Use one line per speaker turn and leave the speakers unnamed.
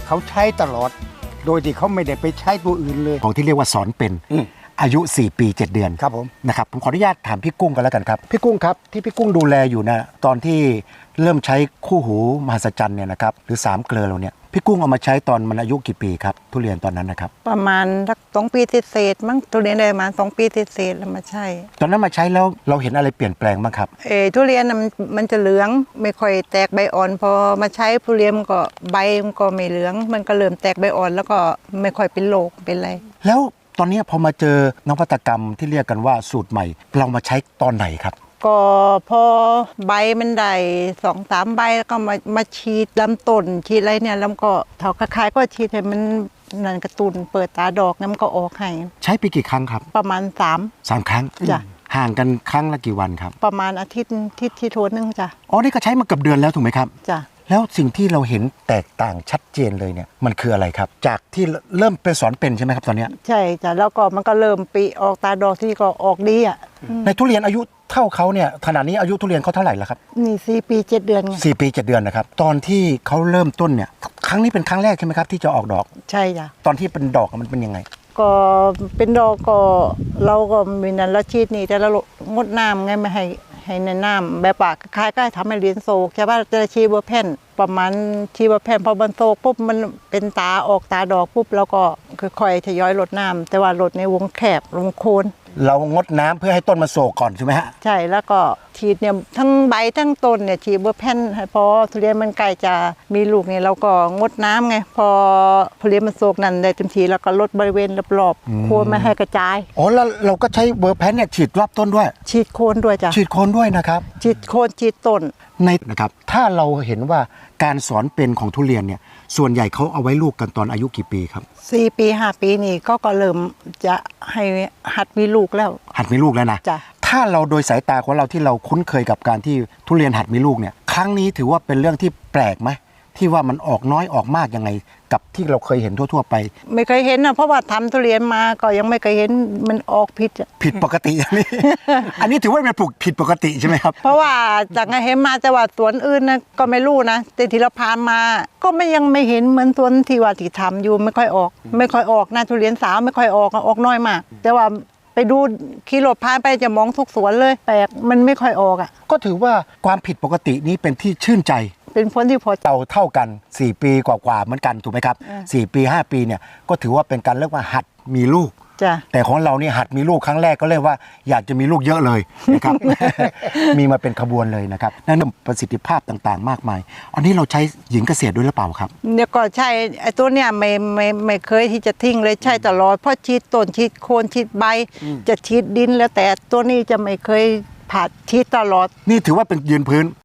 เขาใช้ตลอดโดยที่เขาไม่ได้ไปใช้ตัวอื่นเลย
ของที่เรียกว่าสอนเป็นอายุ4 ปี 7 เดือน
ครับผม
นะครับผมขออนุญาตถามพี่กุ้งกันแล้วกันครับพี่กุ้งครับที่พี่กุ้งดูแลอยู่นะตอนที่เริ่มใช้คู่หูมหัศจรรย์เนี่ยนะครับหรือ3 เกลือเราเนี่ยพี่กุ้งเอามาใช้ตอนมันอายุกี่ปีครับทุเรียนตอนนั้นนะครับ
ประมาณสัก2 ปีเศษมั้งทุเรียนได้มา2 ปีเศษแล้วมาใช่
ตอนนั้นมาใช้แล้วเราเห็นอะไรเปลี่ยนแปลงบ้างครับ
ทุเรียนมันจะเหลืองไม่ค่อยแตกใบอ่อนพอมาใช้ทุเรียนก็ใบมันก็ไม่เหลืองมันก็เริ่มแตกใบอ่อนแล้วก็ไม่ค่อยเป็นโรคเป็นอะไร
แล้วตอนนี้พอมาเจอนวัตกรรมที่เรียกกันว่าสูตรใหม่เรามาใช้ตอนไหนครับ
ก็พอใบมันได้2-3 ใบแล้วก็มาฉีดลำต้นฉีดอะไรเนี่ยแล้วก็เท่าคล้ายๆก็ฉีดให้มันนั่นกระตุ้นเปิดตาดอกน้ำก็ออกให้
ใช้ไปกี่ครั้งครับ
ประมาณ3
ครั้ง
จ้ะ
ห่างกันครั้งละกี่วันครับ
ประมาณอาทิตย์ที่โทนนึงจ้ะ
อ๋อนี่ก็ใช้มาเกือบเดือนแล้วถูกไหมครับ
จ้ะ
แล้วสิ่งที่เราเห็นแตกต่างชัดเจนเลยเนี่ยมันคืออะไรครับจากที่เริ่มเป็นสอนเป็นใช่ไหมครับตอนนี้
ใช่จ้ะแล้วก็มันก็เริ่มปีออกตาดอกที่ก็ออกดีอ่ะ
ในทุเรียนอายุเท่าเขาเนี่ยขณะนี้อายุทุเรียนเขาเท่าไหร่แล้วครับ
นี่4 ปี 7 เดือนไง
4 ปี 7 เดือนนะครับตอนที่เขาเริ่มต้นเนี่ยครั้งนี้เป็นครั้งแรกใช่ไหมครับที่จะออกดอก
ใช่จ้ะ
ตอนที่เป็นดอกมันเป็นยังไง
ก็เป็นดอกก็เราก็มีนั้นเราฉีดนี่แต่เรางดน้ำไงไม่ให้ในน้ำแบบปากคล้ายๆก็ทำให้เรียนโศกใช่ป่ะจะชีเบอร์แผ่นประมาณชีเบอร์แผ่นพอมันโศกปุ๊บมันเป็นตาออกตาดอกปุ๊บแล้วก็ค่อยๆทยอยลดน้ำแต่ว่าลดในวงแคบวงโคน
เรางดน้ำเพื่อให้ต้นมันโศกก่อนใช่ไหมฮะ
ใช่แล้วก็ฉีดเนี่ยทั้งใบทั้งต้นเนี่ยฉีดเบอร์แผ่นพอทุเรียนมันใกล้จะมีลูกเนี่ยเราก็งดน้ำไงพอทุเรียนมันโศกนั่นได้เต็มทีแล้วก็ลดบริเวณรอบๆโคนไม่ให้กระจาย
อ๋อแล้วเราก็ใช้เบอร์แพนเนี่ยฉีดรอบต้นด้วย
ฉีดโคนด้วยจ้ะ
ฉีดโคนด้วยนะครับ
ฉีดโคนฉีดต้น
ในนะครับถ้าเราเห็นว่าการสอนเป็นของทุเรียนเนี่ยส่วนใหญ่เขาเอาไว้ลูกกันตอนอายุกี่ปีครับ
4 ปี 5 ปีนี่ก็เริ่มจะให้หัดมีลูกแล้ว
หัดมีลูกแล้วนะ
จ้ะ
ถ้าเราโดยสายตาของเราที่เราคุ้นเคยกับการที่ทุเรียนหัดมีลูกเนี่ยครั้งนี้ถือว่าเป็นเรื่องที่แปลกไหมที่ว่ามันออกน้อยออกมากยังไงกับที่เราเคยเห็นทั่วๆไป
ไม่เคยเห็นนะเพราะว่าทำทุเรียนมาก็ยังไม่เคยเห็นมันออกผิด
ปกติอันนี้ อันนี้ถือว่าเป็นปลูกผิดปกติใช่ไหมครับ
เพราะว่าจากเห็นมาแต่ว่าสวนอื่นนะก็ไม่รู้นะแต่ที่เราพามาก็ยังไม่เห็นเหมือนสวนที่ว่าที่ทำอยู่ไม่ค่อยออกนะทุเรียนสาวไม่ค่อยออกน้อยมากแต่ว่าไปดูขี่รถผ่านไปจะมองทุกสวนเลยแปลกมันไม่ค่อยออกอ่ะ
ก็ถือว่าความผิดปกตินี้เป็นที่ชื่นใจ
เป็นผลที่พอ
เท่ากัน4 ปีกว่าเหมือนกันถูกไหมครับ4 ปี 5 ปีเนี่ยก็ถือว่าเป็นการเรียกว่าหัดมีลูกแต่ของเราเนี่ยหัดมีลูกครั้งแรกก็เรียกว่าอยากจะมีลูกเยอะเลยนะครับ มีมาเป็นขบวนเลยนะครับนั่นประสิทธิภาพต่างๆมากมายอันนี้เราใช้หญิงเกษตรด้วยหรือเปล่าครับ
เนี่ยก็ใช่ไอ้ตัวเนี่ยไม่เคยที่จะทิ้งเลยใช่ตลอดเพราะฉีดต้นฉีดโคนฉีดใบจะฉีดดินแล้วแต่ตัวนี้จะไม่เคยผ่าฉีดตลอด
นี่ถือว่าเป็นยืนพื้น